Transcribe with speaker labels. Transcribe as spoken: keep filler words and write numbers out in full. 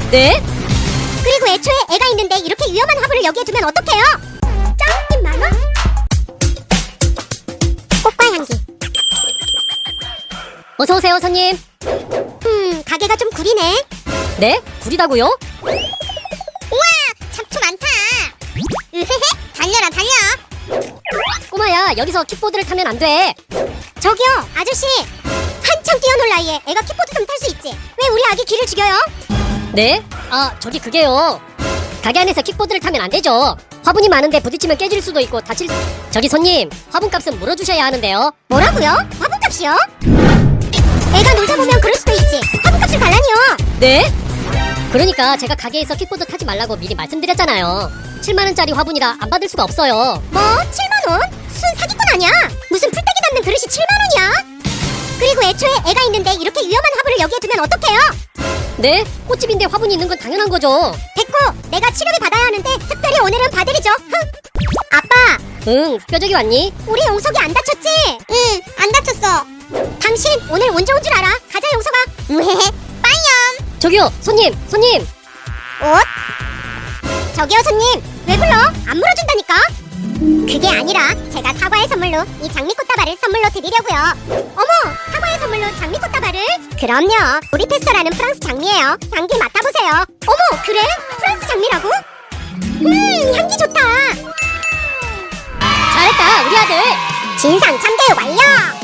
Speaker 1: 네?
Speaker 2: 그리고 애초에 애가 있는데 이렇게 위험한 화분을 여기에 두면 어떡해요? 짱님 만원? 꽃과 향기.
Speaker 1: 어서오세요 손님.
Speaker 2: 음, 가게가 좀 구리네.
Speaker 1: 네? 구리다고요?
Speaker 2: 우와, 잡초 많다. 으헤헤, 달려라 달려.
Speaker 1: 꼬마야, 여기서 킥보드를 타면 안 돼.
Speaker 2: 저기요, 아저씨. 한참 뛰어놀 나이에 애가 킥보드 좀 탈 수 있지. 왜 우리 아기 귀를 죽여요?
Speaker 1: 네? 아, 저기 그게요. 가게 안에서 킥보드를 타면 안 되죠. 화분이 많은데 부딪히면 깨질 수도 있고 다칠 수... 저기 손님, 화분값은 물어주셔야 하는데요.
Speaker 2: 뭐라고요? 화분값이요? 애가 놀다 보면 그럴 수도 있지. 화분값을 달라니요.
Speaker 1: 네? 그러니까 제가 가게에서 킥보드 타지 말라고 미리 말씀드렸잖아요. 칠만 원짜리 화분이라 안 받을 수가 없어요.
Speaker 2: 뭐? 칠만 원? 순 사기꾼 아니야? 무슨 풀떼기 담는 그릇이 칠만 원이야? 그리고 애초에 애가 있는데 이렇게 위험한 화분을 여기에 두면 어떡해요?
Speaker 1: 네? 꽃집인데 화분이 있는 건 당연한 거죠.
Speaker 2: 됐고, 내가 치료비 받아야 하는데 특별히 오늘은 봐드리죠. 흥. 아빠,
Speaker 1: 응, 뼈저기 왔니?
Speaker 2: 우리 용석이 안 다쳤지? 응, 안 다쳤어. 당신 오늘 운 좋은 줄 알아. 가자, 용석아. 우헤헤, 빠이염.
Speaker 1: 저기요, 손님, 손님.
Speaker 2: 옷? 저기요, 손님. 왜 불러? 안 물어준다니까. 그게 아니라 제가 사과의 선물로 이 장미꽃다발을 선물로 드리려고요. 어머, 사과의 선물로 장미꽃다발을? 그럼요. 우리페스라는 프랑스 장미예요. 향기 맡아보세요. 어머, 그래? 프랑스 장미라고? 음, 향기 좋다.
Speaker 1: 잘했다, 우리 아들.
Speaker 2: 진상 참대 완료.